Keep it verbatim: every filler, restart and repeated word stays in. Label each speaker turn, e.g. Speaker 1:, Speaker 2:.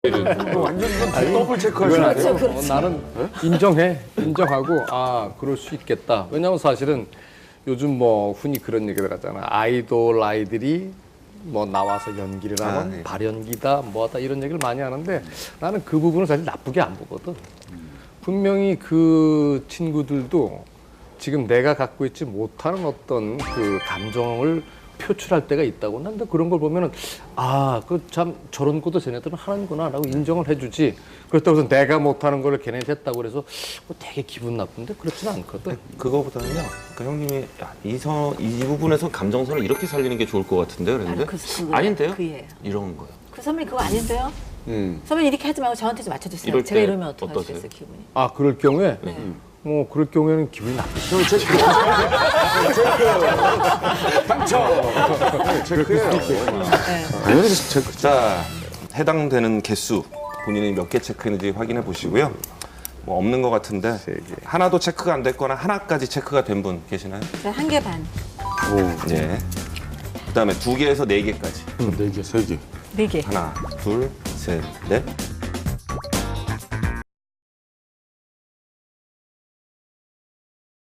Speaker 1: 완전 이건 더블 체크하시는
Speaker 2: 그렇죠,
Speaker 1: 거예요.
Speaker 2: 그렇죠.
Speaker 3: 어, 나는 인정해. 인정하고 아 그럴 수 있겠다. 왜냐하면 사실은 요즘 뭐 흔히 그런 얘기들 하잖아. 아이돌 아이들이 뭐 나와서 연기를 하면
Speaker 1: 아, 네.
Speaker 3: 발연기다 뭐하다 이런 얘기를 많이 하는데 나는 그 부분을 사실 나쁘게 안 보거든. 분명히 그 친구들도 지금 내가 갖고 있지 못하는 어떤 그 감정을 표출할 때가 있다고. 난데 그런 걸 보면은 아, 그 참 저런 것도 쟤네들은 하는구나라고 인정을 해주지. 그렇다고 해서 내가 못하는 걸 걔네들 했다고 그래서 뭐 되게 기분 나쁜데 그렇지는 않거든.
Speaker 4: 그거보다는요. 그러니까 형님이 야, 이, 선, 이 부분에서 감정선을 이렇게 살리는 게 좋을 것 같은데 그랬는데
Speaker 2: 그 친구예요.
Speaker 4: 아닌데요?
Speaker 2: 그예요.
Speaker 4: 이런 거예요.
Speaker 2: 그 선배님 그거 아닌데요?
Speaker 1: 음.
Speaker 2: 선배님 이렇게 하지 말고 저한테 좀 맞춰주세요.
Speaker 4: 이럴
Speaker 2: 제가
Speaker 4: 때
Speaker 2: 이러면 어떡하시겠어요,
Speaker 4: 어떠세요?
Speaker 2: 기분이?
Speaker 3: 아, 그럴 경우에
Speaker 2: 네.
Speaker 3: 뭐 그럴 경우에는 기분이 나쁘죠.
Speaker 1: 저 체크. 체크. 당첨. 체크해요.
Speaker 2: 네.
Speaker 1: 당연히 체크.
Speaker 4: 자, 해당되는 개수 본인이 몇 개 체크했는지 확인해 보시고요. 뭐 없는 것 같은데 하나도 체크가 안 됐거나 하나까지 체크가 된 분 계시나요?
Speaker 2: 한 개 반,
Speaker 4: 예. 그다음에 두 개에서 네 개까지.
Speaker 1: 네 개, 세 개.
Speaker 2: 네 개.
Speaker 4: 하나, 둘, 셋, 넷,